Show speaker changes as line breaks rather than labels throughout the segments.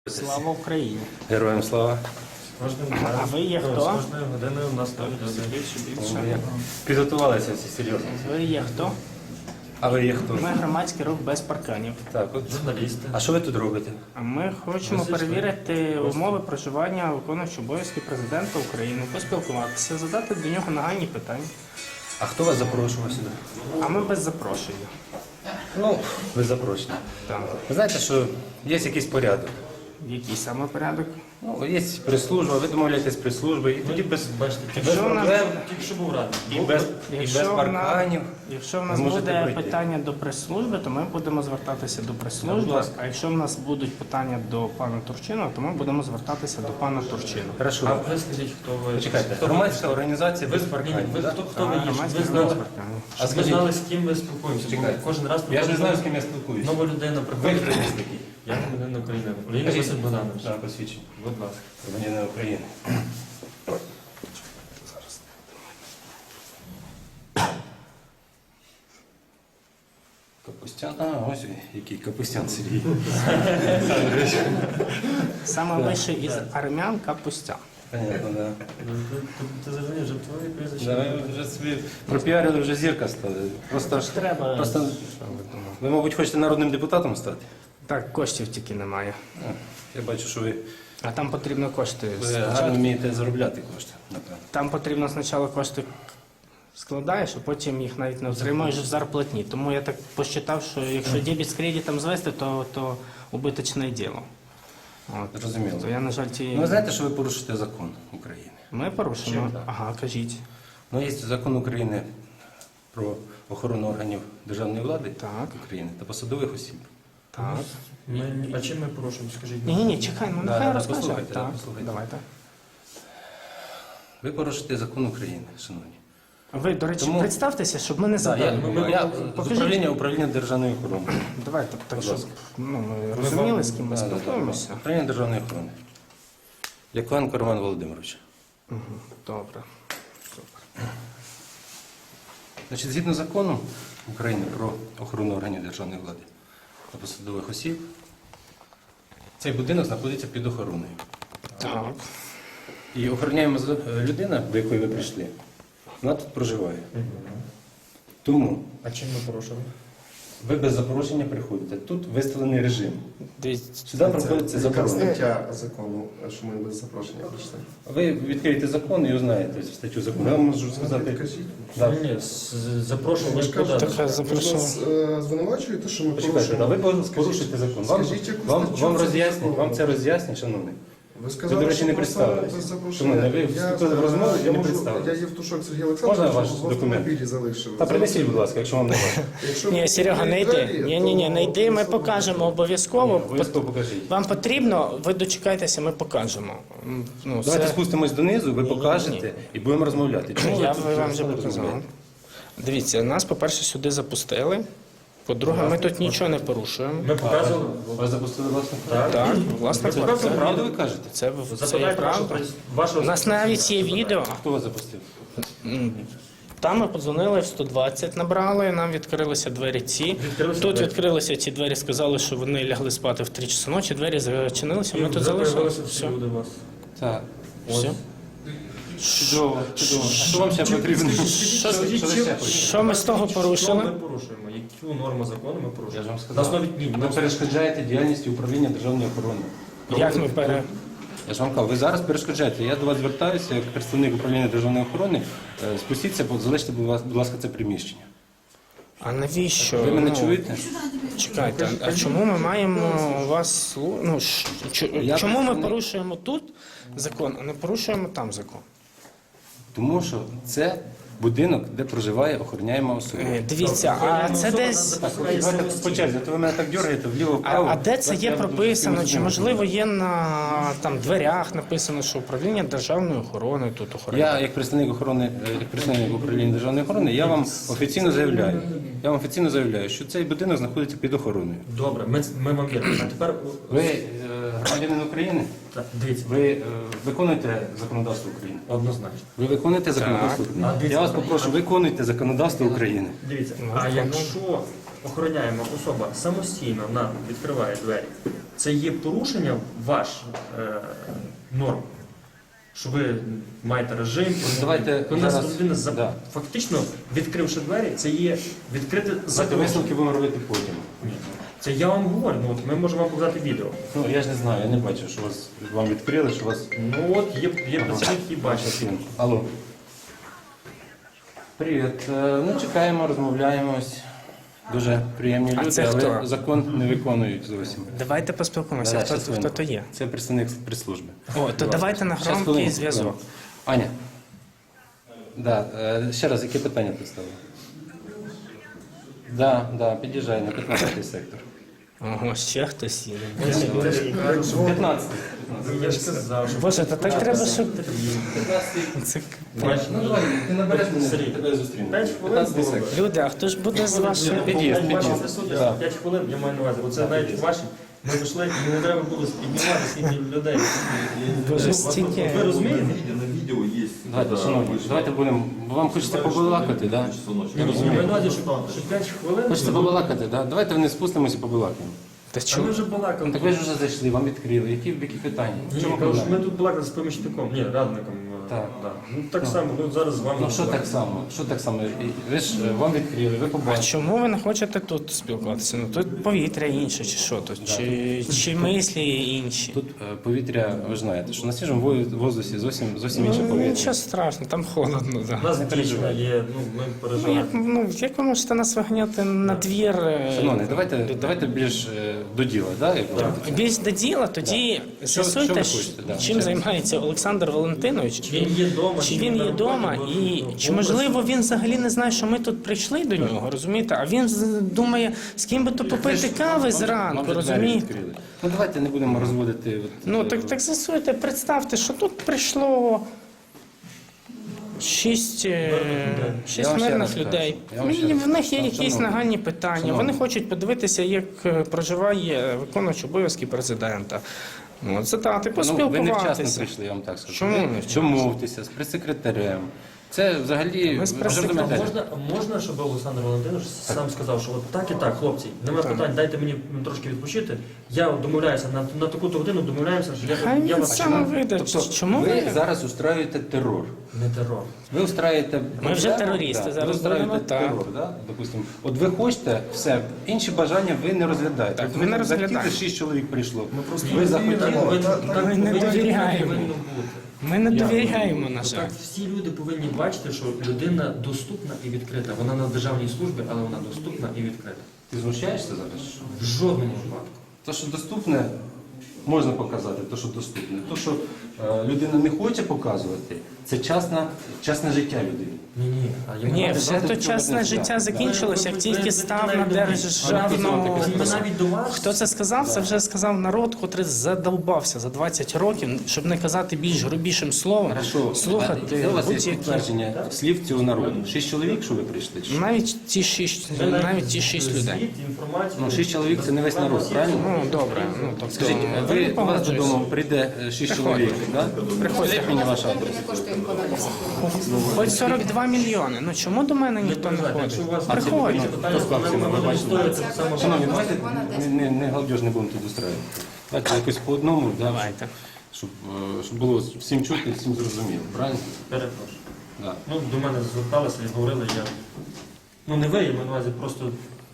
Слава Україні!
Героям слава!
А ви є хто?
З кожною годиною у нас там
Більше.
Підготувалися всі серйозно.
Ви є хто?
А ви є хто?
Ми громадський рух без парканів.
Так, от.
журналісти.
А що ви тут робите?
А ми хочемо перевірити умови проживання виконуючого обов'язки президента України, поспілкуватися, задати до нього нагальні питання.
А хто вас запрошував сюди?
А ми без запрошення.
Ну, ви запрошені.
Так.
Ви знаєте, що є якийсь порядок.
Який саме порядок?
Ну, є прес-служба, ви домовляєтесь з прес-службою, і тоді без
Якщо в нас-
проблем,
Тільки що був радий.
і без парканів.
Якщо в нас
ви можете
буде
пройти.
питання до прес-служби, то ми будемо звертатися до
Будь
прес-служби.
ласка.
А якщо в нас будуть питання до пана Турчина, то ми будемо звертатися до пана Турчина.
А
Хорошо.
ви скажіть, хто ви?
Почекайте,
Хто ви?
громадська організація без
Ні,
парканів.
ви
так?
хто ви є? Щоб
Громадський
ви
рух
знали,
без парканів.
А
щоб ви
скажіть,
знали, з ким ви спілкуємося. Бо
Чекайте.
кожен раз
Я ж не знаю, з
приходить
ким я спілкуюся.
нова людина
Ви
приходить.
хто є такий?
Я громадянин України. Олійник
Скажіть.
Василь Богданович.
Так, посвідчення.
Будь ласка.
Громадянина України. Капустян. А, ось він, який Капустян Сергій.
Саме вище із армян Капустян.
Понятно, да.
Ти зрозумів, вже твоє прізвище.
Да, ви вже собі пропіарили, вже зірка стали. Просто ж
Треба.
Просто ви, мабуть, хочете народним депутатом стати?
Так, коштів тільки немає.
А, я бачу, що ви
А там потрібно кошти.
гарно
спочатку.
вмієте заробляти кошти, напевно.
Там потрібно спочатку кошти складаєш, а потім їх навіть не отримуєш в зарплатні. Тому я так посчитав, що якщо дебіт з кредитом звести, то убиточне діло. От.
Зрозуміло.
То я, на жаль,
Ну, ви знаєте, що ви порушите закон України?
Ми порушимо.
Чим так?
Ага, кажіть.
Ну, є закон України про охорону органів державної влади
Так.
України та посадових осіб.
Так.
А чим ми порушимо, скажіть?
Ні, чекай, ну
Да,
нехай
да,
розкаже.
послухайте,
Так,
послухайте.
давайте.
Ви порушите закон України, шановні.
Ви, до речі,
Тому-
представтеся, щоб ми не
Я
забули.
з управління державної охорони.
Давайте, так,
Будь
щоб
ласка.
ми розуміли, з ким ми спілкуємося.
Управління державної охорони. Яковенко Роман Володимирович.
Добре.
Значить, згідно закону України про охорону органів державної влади та посадових осіб, цей будинок знаходиться під охороною.
Так.
І охороняємо людина, до якої ви прийшли, вона тут проживає. Тому
А чим ми порушили?
ви без запрошення приходите. Тут виставлений режим.
Дивіться,
Сюди проходиться
Яка
заборона.
стаття закону, що ми без запрошення прийшли?
Ви відкриєте закон і узнаєте статтю закону. Я вам можу сказати.
Кажіть.
Да.
Ні, запрошення
Ви ж
куди?
кажете,
Так,
ви ж
запрошую.
нас звинувачуєте, що ми
Почекайте, а
порушуємо?
ви порушите закон. Вам,
Скажіть, яку
вам,
статтю
вам
це
роз'яснять,
закону?
вам це роз'яснять, шановний.
Ви сказали,
Ви, до речі, не
що просто
представились.
без
Шановний,
запрошення.
ви вступили в розмову і
я
не
можу,
представились.
я Євтушок Сергій
Можна
Олександрович,
ваш
в
документ?
автомобілі залишив.
Та принесіть, будь ласка, якщо вам не важко.
Якщо
Ні,
ви
Серега, не йди.
двері,
Ні,
то
не йди, ми
особливо-
покажемо обов'язково.
Обов'язково покажіть.
Вам потрібно, ви дочекайтеся, ми покажемо. Ну,
Давайте
це...
спустимось донизу, ви
Ні, ні,
покажете і будемо розмовляти. Чому
Я
тут
вам вже
не
показав.
розумієте?
Дивіться, нас, по-перше, сюди запустили. По-друге, ми тут нічого не порушуємо.
Ми показували.
Вас запустили власне?
Так, власне,
Це
це,
правду ви кажете?
це є
Запитайте
правда. У
вашого
нас навіть є відео.
Хто вас запустив?
Там ми подзвонили в 120, набрали, нам відкрилися двері ці.
Відкрилися
Тут
двері.
відкрилися ці двері, сказали, що вони лягли спати в 3 часи ночі, двері зачинилися, ми тут залишилися.
всі
Все.
люди у вас.
Так.
Все.
Чудово, чудово. А що вам ще потрібно? Що ви ще хочете?
Що ми з того
Що ми
порушили?
порушуємо? Яку норму закону ми
Я
порушуємо?
ж вам
На
сказав.
основі ні.
Ви перешкоджаєте діяльності управління державної охорони.
Як ми пере...
Я ж вам кажу, ви зараз перешкоджаєте. Я до вас звертаюся як представник управління державної охорони. Спустіться, залиште, будь ласка, це приміщення.
А навіщо?
Ви мене
Ну,
чуєте?
Чекайте, а чому ми маємо вас... Ну,
Я
чому ми
представник.
порушуємо тут закон, а не порушуємо там закон?
Тому що це будинок, де проживає охороняєма особа.
Дивіться, а це десь...
Так, давайте по черзі, то ви мене так дергаєте вліво-вправо.
А де це є
Я буду
прописано?
всім
Чи
розуміти.
можливо є на там дверях написано, що управління державної охорони тут охороняє?
Я, як представник охорони, як представник управління державної охорони, я вам офіційно заявляю, що цей будинок знаходиться під охороною.
Добре, ми вам віримо. А тепер
Ви громадянин України,
так, дивіться,
ви виконуєте законодавство України.
однозначно.
Ви виконуєте законодавство України.
А, дивіться,
Я вас попрошу, виконуйте законодавство України.
Дивіться, а якщо охороняєма особа самостійно нам відкриває двері, це є порушення ваш норм. Що ви маєте режим,
Давайте
коли нас
зараз-
людина
да.
фактично відкривши двері, це є відкрите
Давайте
загроза.
висновки будемо робити потім.
Це я вам говорю, ну от ми можемо вам показати відео.
Ну, я ж не знаю, я не бачу, що вам відкрили, що вас...
Ну от є працівник, який бачить.
Алло. Привіт. Ну, чекаємо, розмовляємось. Дуже приємні
А
люди,
це
але
хто?
закон не виконують зовсім.
Давайте поспілкуємося,
Да,
хто,
щас
хто то є.
Це представник прес-служби.
О, то давайте на
Щас,
громкий
хвилинку,
зв'язок.
хвилинку. Аня. Да, ще раз, яке питання представили? Да, під'їжджай на 15-й сектор.
Ого, ще хтось є.
15-й.
Я ж сказав, що
Боже, та так треба, щоб...
15-й.
Це...
Ну давай, ти набереш мене,
Сергій,
тебе зустріну.
5 хвилин
15-й
було би.
сектор.
Люди, а хто ж буде з вашої...
Під'їзд,
Ваша
під'їзд.
присутність
Да.
5 хвилин, я маю на увазі. Оце навіть ваші. Ми зайшли, і не треба було піднімати скільки людей.
Боже,
Ви
стільки...
розумієте?
На видео есть.
Давайте, шановні, давайте будемо. Вам хочеться побалакати, так?
Я маю на увазі, що 5 хвилин.
Хочеться побалакати, так? Давайте вони спустимося і побалакаємо.
Та
А ми
чому?
вже балакали.
Так ви ж вже зайшли, вам відкрили. Які питання? В
Ні,
чому
кажу, що
проблема?
ми тут балакали з помічником, ні, радником.
Так.
Да. Ну так само, ну зараз з вами.
Ну що так само? Що так само? Ви ж вам відкрили, ви
А
побачили.
чому ви не хочете тут спілкуватися? Ну тут повітря інше, чи що тут? Чи мислі інші?
Тут повітря, ви ж знаєте, що на свіжому воздусі зовсім інше
Ну,
повітря.
нічого страшного, там холодно,
У
да.
нас дійсно
переживайте.
є, ну ми
Ну
переживаємо.
як ви можете нас виганяти на двір?
Шановні, давайте більш до діла, да? як говорите?
Більш до діла, тоді
Що
з'ясуйте,
ви хочете, да.
чим займається Олександр Валентинович.
Чи він є вдома,
Чи він є вдома, і чи можливо він взагалі не знає, що ми тут прийшли до нього, розумієте? А він думає, з ким би то попити кави
Вам
зранку,
же двері
розумієте?
відкрили. Ну давайте не будемо розводити. От,
Ну так з'ясуйте, представте, що тут прийшло шість
Я вам ще
мирних
раз
людей.
кажу, я вам ще
І
раз
в них
кажу.
є якісь
Шановні,
нагальні питання.
шановні.
Вони хочуть подивитися, як проживає виконувач обов'язків президента. Ну, задати,
Ну, ви невчасно
поспілкуватися.
прийшли, я вам так скажу.
Чому
Ви
невчасно?
домовтеся з прес-секретарем. Це взагалі
Ми з
ви вже
прес-секретарем.
пам'ятаєте.
Можна, щоб Олександр Володимирович сам сказав, що от так і так, хлопці, нема питань, дайте мені трошки відпочити. Я домовляюся на таку-то годину, домовляємося, що
Хай
я
він
вас
сам вийде.
Тобто
Чому
ви
ви?
зараз устраюєте терор.
не терор.
Ви устраюєте
Ми вже терористи,
да,
зараз
ви устраюєте
будемо, так.
терор, да? Допустимо. От ви хочете все, інші бажання ви не розглядаєте.
Так,
От
ми не
ви
розглядаємо.
захотіли, 6 чоловік прийшло.
просто
Ви захотіли.
Ми не довіряємо. Ми не довіряємо, на жаль.
Так, всі люди повинні бачити, що людина доступна і відкрита. Вона на державній службі, але вона доступна і відкрита.
Ти знущаєшся зараз?
В жодному випадку.
То, що доступне, можна показати, то, що доступне. То, що людина не хоче показувати, це частне життя людини.
Ні, а я
Ні,
маю
все
давайте
то
в цьому
чесне
не
життя
знаю.
закінчилося, як тільки став на
Ми
державну...
навіть до вас.
Хто це сказав? Це вже сказав народ, котрий задовбався за 20 років, щоб не казати більш грубішим словом.
Хорошо,
Слухати
де у вас є
будь-які.
підтвердження слів цього народу? 6 чоловік, що ви прийшли? чи що?
Навіть ті 6 людей.
Звіт, інформацію.
Ну, 6 чоловік це не весь народ, правильно?
Ну, добре. Ну, тобто,
Скажіть,
ви не
ви, у вас
погоджуєтесь?
додому прийде 6 чоловік, так? Скажіть мені ваш адрес.
Хоч 42 мільйони. Ну чому до мене ніхто не ходить?
Якщо у вас
Приходь.
питання,
Хто склав ціну, ви
ми
бачите?
відстоюємо це саме.
Шановні, давайте не галдеж не будемо тут устраивати. Давайте якось по одному, да,
Давайте.
щоб було всім чути, всім зрозуміло, правильно?
Перепрошую.
Да.
Ну, до мене зверталися і говорили, я. Ну не ви, я маю на увазі, просто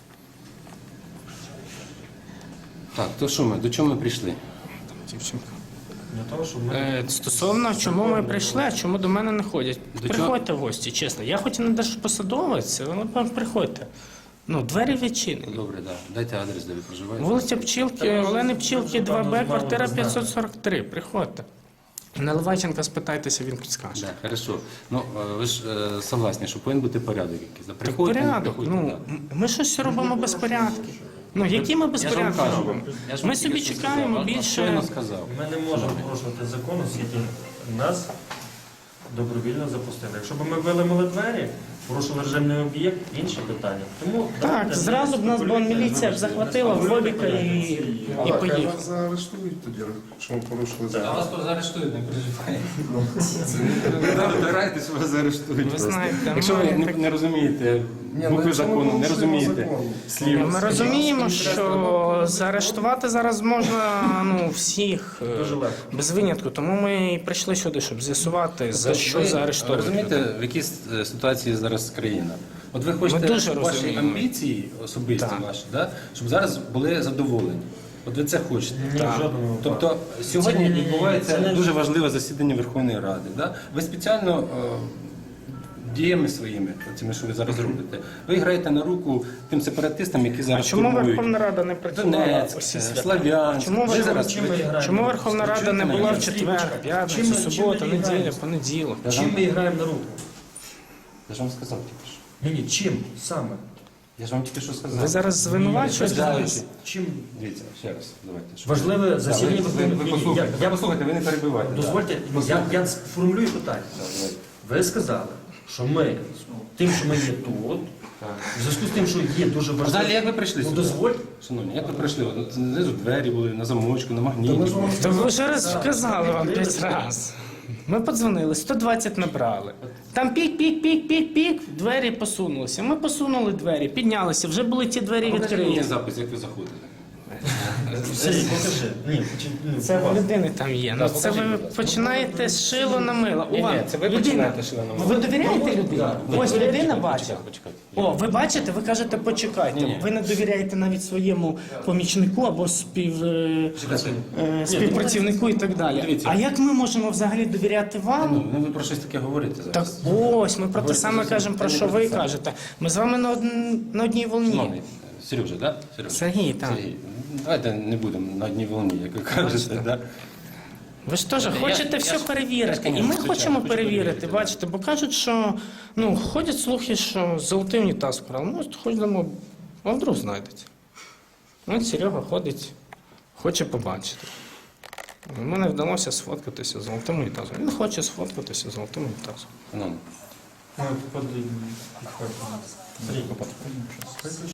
Так, то що ми, до чого ми прийшли?
Дівчинка.
для того, щоб ми.
Стосовно чому ми прийшли, а чому до мене не ходять.
До
Приходьте в гості, чесно. Я хоч і не держпосадовець, але приходьте. Ну, двері відчинені.
Добре, да. Дайте адрес, де ви проживаєте.
Вулиця Пчілки, Олени Пчілки, 2Б, квартира 543. Приходьте. Наливайченка спитайтеся, він підскаже.
Да, хорошо. Ну, ви ж согласні, що повинен бути порядок якийсь. Да?
Так
Приходьте, не
порядок.
приходьте,
Ну,
да.
ми щось робимо безпорядки. Ну, які ми
Я ж вам
безпорядки
кажу,
робимо?
я ж вам
Ми
тільки
собі
що
чекаємо
сказав,
більше.
щойно сказав.
Ми не можемо порушувати закон, оскільки нас добровільно запустили. Якщо б ми виламали двері, порушили режимний об'єкт, інше питання. Тому
Так,
давайте
зразу б нас бо міліція б захватила Фобіка і
Хай
поїхала.
вас заарештують тоді, що ми порушили
А
закон.
вас тут заарештують, не переживайте. Ви вибираєте, що вас заарештують.
Ви
просто.
знаєте,
Якщо ви
ми
не розумієте букви закону, не розумієте
Ні,
слів.
ми розуміємо, що заарештувати зараз можна всіх
Дуже легко.
без винятку, тому ми і прийшли сюди, щоб з'ясувати, за що
Ви
заарештовувати.
розумієте, в якій ситуації зараз країна? От ви хочете
дуже
ваші
розуміємо.
амбіції особисті
Так.
ваші, да? Щоб зараз були задоволені. От ви це хочете.
Ні, в жодному випадку.
Тобто сьогодні
Це не-
відбувається
це не-
дуже важливе засідання Верховної Ради. Да? Ви спеціально діями своїми, цими, що ви зараз робите, ви граєте на руку тим сепаратистам, які
А
зараз
чому
штурмують
Верховна Рада не працювала
Донецьк,
усі свята?
Слав'янськ.
Чому
Ви
ви-
зараз
чим ви граєте?
Чому Верховна Рада не була в
Чуєте
четвер,
Чим
п'ятницю,
ми- чим
суботу,
ми
неділю,
граємо?
понеділок?
Чим ми граємо на руку?
Я ж вам сказав тільки що.
Ні, чим саме?
Я ж вам тільки що сказав.
Ви зараз звинувачуєте
Ні,
нас?
Чим
Дивіться, ще раз, давайте. щоб-
важливе
Да,
засідання
ви
Верховної
послухайте,
Я-
послухайте, ви не перебивайте.
Дозвольте,
Да.
я сформулюю питання.
Да, давайте.
Ви сказали, що ми тим, що ми є тут, в зв'язку з тим, що є дуже важливо.
Взагалі, як ви прийшли
Ну,
сюди?
дозвольте.
Шановні, як ви прийшли? От знизу двері були, на замочку, на магніті.
То ви вже раз вказали вам 5 разів. Ми подзвонили, 120 набрали. Там пік, двері посунулися. Ми посунули двері, піднялися, вже були ті двері
Покажіть мені
відкриті.
запис, як ви заходили.
Сергій, покажи. Ні,
Це в людини там є. Ну, це ви починаєте з шило на мило. Людина.
шили на
Ви довіряєте людині? Ось людина бачить.
Почекайте.
О, ви бачите, ви кажете, почекайте.
Ні-ні.
Ви не довіряєте навіть своєму помічнику або співпрацівнику і так далі.
Дивіться.
А як ми можемо взагалі довіряти вам?
Ну, ви про щось таке говорите
Так
зараз.
ось, ми про те
Говорите
саме
зовсім
кажемо, про
не
що
про
ви
те саме.
кажете. Ми з вами на одній волні.
Шановний, Сережа, да? Сережа?
Сергій, так.
Сергій, давайте не будемо на одній волні, як ви кажете, да?
Ви ж теж хочете все
ж-
перевірити.
я ж,
І ми
звичайно,
хочемо
хочу
перевірити,
перевірити,
бачите, бо кажуть, що ходять слухи, що золотий унітаз вкрали. Ну, ходимо, а вдруг знайдеться. От Серега ходить, хоче побачити. Йому не вдалося сфоткатися з золотим унітазом. Він хоче сфоткатися з золотим унітазом.
Шановний.
Ми підходимо. Сергій,